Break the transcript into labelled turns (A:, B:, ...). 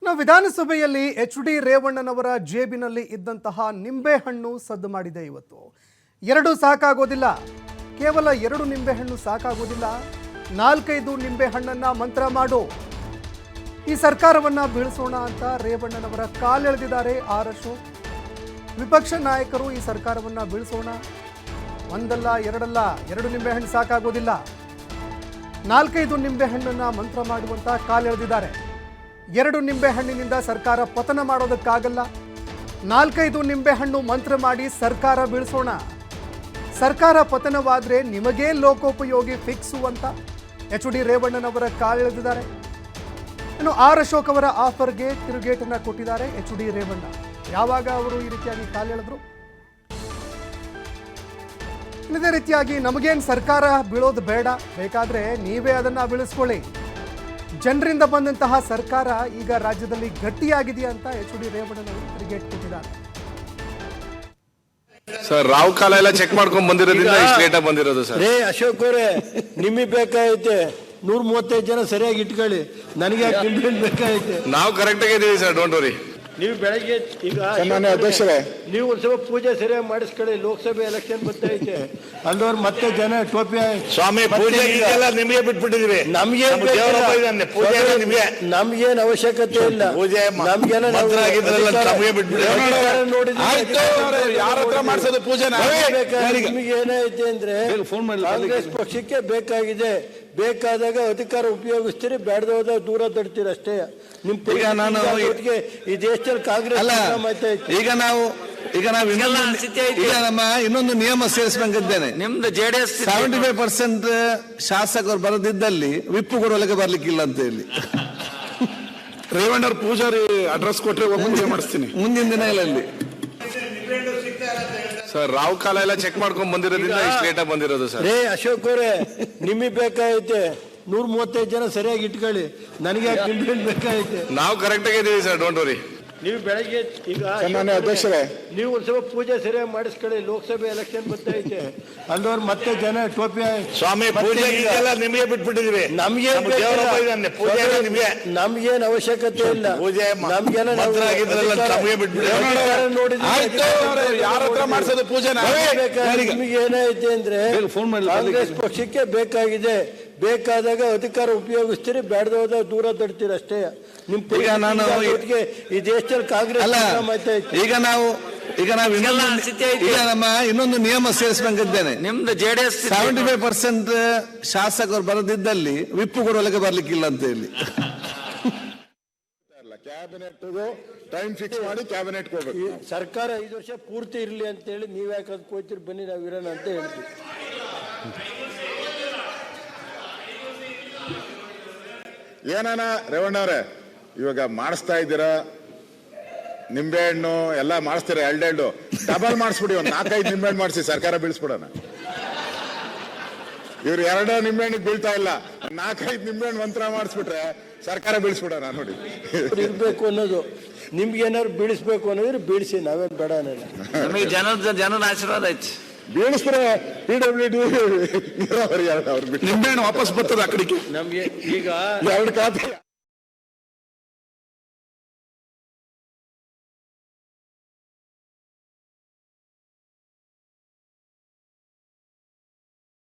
A: ವಿಧಾನಸಭೆಯಲ್ಲಿ ಎಚ್.ಡಿ. ರೇವಣ್ಣನವರ ಜೇಬಿನಲ್ಲಿ ಇದ್ದಂತಹ ನಿಂಬೆಹಣ್ಣು ಸದ್ದು ಮಾಡಿದೆ. ಇವತ್ತು ಎರಡು ಸಾಕಾಗೋದಿಲ್ಲ, ಕೇವಲ 2 ನಿಂಬೆಹಣ್ಣು ಸಾಕಾಗೋದಿಲ್ಲ, 4-5 ನಿಂಬೆಹಣ್ಣನ್ನ ಮಂತ್ರ ಮಾಡು, ಈ ಸರ್ಕಾರವನ್ನ ಬೀಳಿಸೋಣ ಅಂತ ರೇವಣ್ಣನವರ ಕಾಲೆಳೆದಿದ್ದಾರೆ ಆರ್ ಅಶೋಕ್. ವಿಪಕ್ಷ ನಾಯಕರು ಈ ಸರ್ಕಾರವನ್ನ ಬೀಳಿಸೋಣ, ಒಂದಲ್ಲ ಎರಡಲ್ಲ, 2 ನಿಂಬೆಹಣ್ಣು ಸಾಕಾಗೋದಿಲ್ಲ, 4-5 ನಿಂಬೆಹಣ್ಣನ್ನ ಮಂತ್ರ ಮಾಡುವಂತ ಕಾಲೆಳೆದಿದ್ದಾರೆ. 2 ನಿಂಬೆಹಣ್ಣಿನಿಂದ ಸರ್ಕಾರ ಪತನ ಮಾಡೋದಕ್ಕಾಗಲ್ಲ, 4-5 ನಿಂಬೆಹಣ್ಣು ಮಂತ್ರ ಮಾಡಿ ಸರ್ಕಾರ ಬೀಳಿಸೋಣ, ಸರ್ಕಾರ ಪತನವಾದರೆ ನಿಮಗೇ ಲೋಕೋಪಯೋಗಿ ಫಿಕ್ಸು ಅಂತ ಎಚ್.ಡಿ. ರೇವಣ್ಣನವರ ಕಾಲೆಳೆದಿದ್ದಾರೆ. ಇನ್ನು ಆರ್ ಅಶೋಕ್ ಅವರ ಆಫರ್ಗೆ ತಿರುಗೇಟನ್ನ ಕೊಟ್ಟಿದ್ದಾರೆ ಎಚ್.ಡಿ. ರೇವಣ್ಣ. ಯಾವಾಗ ಅವರು ಈ ರೀತಿಯಾಗಿ ಕಾಲೆಳೆದ್ರು? ಇದೇ ರೀತಿಯಾಗಿ ನಮಗೇನು ಸರ್ಕಾರ ಬೀಳೋದು ಬೇಡ, ಬೇಕಾದ್ರೆ ನೀವೇ ಅದನ್ನ ಬೀಳಿಸ್ಕೊಳ್ಳಿ, ಜನರಿಂದ ಬಂದಂತಹ ಸರ್ಕಾರ ಈಗ ರಾಜ್ಯದಲ್ಲಿ ಗಟ್ಟಿಯಾಗಿದೆಯಾ ಅಂತ ಎಚ್.ಡಿ. ರೇವಣ್ಣನವರು ತಿರುಗೇಟ್ ಕೊಟ್ಟಿದ್ದಾರೆ.
B: ಸರ್ ರಾವ್ ಕಾಲ ಎಲ್ಲ ಚೆಕ್ ಮಾಡ್ಕೊಂಡ್ ಬಂದಿರೋದ್ರಿಂದ ಇಷ್ಟು ಲೇಟ್ ಆಗಿ ಬಂದಿರೋದು ಸರ್.
C: ರೇ ಅಶೋಕ್ ಅವರೇ, ನಿಮಗೆ ಬೇಕಾಗೈತೆ 135 ಜನ ಸರಿಯಾಗಿ ಇಟ್ಕೊಳ್ಳಿ, ನನಗೆ ಬೇಕಾಗೈತೆ.
B: ನಾವು ಕರೆಕ್ಟ್ ಆಗಿದ್ದೀವಿ ಸರ್, ಡೋಂಟ್ ವರಿ.
C: ನೀವು ಬೆಳಗ್ಗೆ ಈಗ
D: ಅಧ್ಯಕ್ಷರೇ,
C: ನೀವು ಒಂದು ಸ್ವಲ್ಪ ಪೂಜೆ ಸರಿಯಾಗಿ ಮಾಡಿಸ್ಕೊಳ್ಳಿ, ಲೋಕಸಭೆ ಎಲೆಕ್ಷನ್ ಬರ್ತೈತೆ, ಅಲ್ಲೋರ್ ಮತ್ತೆ ಜನ ಟೋಪಿ
B: ಸ್ವಾಮಿ ಪೂಜೆ ನಿಮಗೆ ಬಿಟ್ಬಿಟ್ಟಿದೀವಿ,
C: ನಮ್ಗೇನ್ ಅವಶ್ಯಕತೆ ಇಲ್ಲ, ನಮ್ಗೆಲ್ಲ ನಿಮಗೆ ಏನೈತೆ ಅಂದ್ರೆ ಕಾಂಗ್ರೆಸ್ ಪಕ್ಷಕ್ಕೆ ಬೇಕಾಗಿದೆ, ಬೇಕಾದಾಗ ಅಧಿಕಾರ ಉಪಯೋಗಿಸ್ತೀರಿ, ಬೇಡದ ದೂರ ತಡ್ತೀರಿ ಅಷ್ಟೇ. ನಿಮ್ ಒಟ್ಟಿಗೆ ಈ ದೇಶದಲ್ಲಿ ಕಾಂಗ್ರೆಸ್
D: ಈಗ ನಾವು ನಮ್ಮ ಇನ್ನೊಂದು ನಿಯಮ ಸೇರಿಸಬೇಕಿದ್ದೇನೆ.
E: ನಿಮ್ದು ಜೆಡಿಎಸ್
D: 75% ಶಾಸಕರು ಬರದಿದ್ದಲ್ಲಿ ವಿಪ್ಪು ಕೊಡಲಿಕ್ಕೆ ಬರ್ಲಿಕ್ಕಿಲ್ಲ ಅಂತ ಹೇಳಿ
B: ರೇವಣ್ಣವ್ರ ಪೂಜಾರಿ ಅಡ್ರೆಸ್ ಕೊಟ್ರೆ ಒಬ್ಬಂಗೆ ಮಾಡಿಸ್ತೀನಿ
D: ಮುಂದಿನ ದಿನಗಳಲ್ಲಿ.
B: ಸರ್ ರಾವ್ ಕಾಲ ಎಲ್ಲ ಚೆಕ್ ಮಾಡ್ಕೊಂಡ್ ಬಂದಿರೋದ್ರಿಂದ ಇಷ್ಟು ಲೇಟ್ ಆಗಿ ಬಂದಿರೋದು ಸರ್.
C: ರೇ ಅಶೋಕ್ ಅವರೇ, ನಿಮಗೆ ಬೇಕಾಗೈತೆ 135 ಜನ ಸರಿಯಾಗಿ ಇಟ್ಕೊಳ್ಳಿ, ನನಗೆ ಬೇಕಾಗೈತೆ.
B: ನಾವು ಕರೆಕ್ಟ್ ಆಗಿದ್ದೀವಿ ಸರ್, ಡೋಂಟ್ ವರಿ.
C: ನೀವು ಬೆಳಗ್ಗೆ ಈಗ
D: ಅಧ್ಯಕ್ಷರೇ,
C: ನೀವು ಒಂದು ಸ್ವಲ್ಪ ಪೂಜೆ ಸರಿಯಾಗಿ ಮಾಡಿಸ್ಕೊಳ್ಳಿ, ಲೋಕಸಭೆ ಎಲೆಕ್ಷನ್ ಬರ್ತೈತೆ, ಅಲ್ಲೋರ್ ಮತ್ತೆ ಜನ ಟೋಪಿ
B: ಸ್ವಾಮಿ ಪೂಜೆ ನಿಮಗೆ ಬಿಟ್ಬಿಟ್ಟಿದೀವಿ,
C: ನಮ್ಗೇನ್ ಅವಶ್ಯಕತೆ ಇಲ್ಲ, ನಮ್ಗೆಲ್ಲ ನಿಮಗೆ ಏನೈತೆ ಅಂದ್ರೆ ಕಾಂಗ್ರೆಸ್ ಪಕ್ಷಕ್ಕೆ ಬೇಕಾಗಿದೆ, ಬೇಕಾದಾಗ ಅಧಿಕಾರ ಉಪಯೋಗಿಸ್ತೀರಿ, ಬೇಡದ ದೂರ ತಡ್ತೀರಿ ಅಷ್ಟೇ. ನಿಮ್ ಒಟ್ಟಿಗೆ ಈ ದೇಶದಲ್ಲಿ ಕಾಂಗ್ರೆಸ್
D: ಈಗ ನಾವು ನಮ್ಮ ಇನ್ನೊಂದು ನಿಯಮ ಸೇರಿಸಬೇಕಿದ್ದೇನೆ.
E: ನಿಮ್ದು ಜೆಡಿಎಸ್
D: 75% ಶಾಸಕರು ಬರದಿದ್ದಲ್ಲಿ ವಿಪ್ಪು ಕೊಡಲಿಕ್ಕೆ ಬರ್ಲಿಕ್ಕಿಲ್ಲ ಅಂತ ಹೇಳಿ
B: ಕ್ಯಾಬಿನೆಟ್ ಟೈಮ್ ಫಿಕ್ಸ್ ಮಾಡಿ ಕ್ಯಾಬಿನೆಟ್ ಹೋಗ್ಬೇಕು.
C: ಸರ್ಕಾರ 5 ವರ್ಷ ಪೂರ್ತಿ ಇರ್ಲಿ ಅಂತ ಹೇಳಿ ನೀವ್ ಯಾಕೆ ಅದಕ್ಕೆ ಹೋಗ್ತೀರಿ, ಬನ್ನಿ ನಾವು ಇರೋಣ ಅಂತ ಹೇಳ್ತೀವಿ.
F: ಏನಾನ ರೇವಣ್ಣವ್ರೆ, ಇವಾಗ ಮಾಡಿಸ್ತಾ ಇದ್ದೀರಾ, ನಿಂಬೆಹಣ್ಣು ಎಲ್ಲ ಮಾಡಿಸ್ತೀರಾ, 2 ಡಬಲ್ ಮಾಡಿಸ್ಬಿಡಿ, ಒಂದು 4-5 ನಿಂಬೆಹಣ್ಣು ಮಾಡಿಸಿ ಸರ್ಕಾರ ಬೀಳಿಸ್ಬಿಡೋಣ. ಇವ್ರು 2 ನಿಂಬೆಹಣ್ಣಿಗೆ ಬೀಳ್ತಾ ಇಲ್ಲ, 4-5 ನಿಂಬೆಹಣ್ಣು ಮಂತ್ರ ಮಾಡಿಸ್ಬಿಟ್ರೆ ಸರ್ಕಾರ ಬೀಳಿಸ್ಬಿಡೋಣ. ನೋಡಿ
C: ಇರ್ಬೇಕು ಅನ್ನೋದು, ನಿಮ್ಗೆ ಏನಾದ್ರು ಬೀಳಿಸ್ಬೇಕು ಅನ್ನೋದ್ರೆ ಬೀಳಿಸಿ, ನಾವೇನ್ ಬೇಡ ಅನ್ನಲ್ಲ.
E: ನಮಗೆ ಜನರ ಆಶೀರ್ವಾದ ಐತಿ,
F: ಬೀಳಿಸ್ತಾರೆ. PWD ನೀರಾವರಿ ನಿಂಬೆಹಣ್ಣು ವಾಪಸ್ ಬರ್ತದೆ ಆ ಕಡೆಗೆ,
C: ನಮ್ಗೆ ಈಗ
F: 2 ಖಾತೆ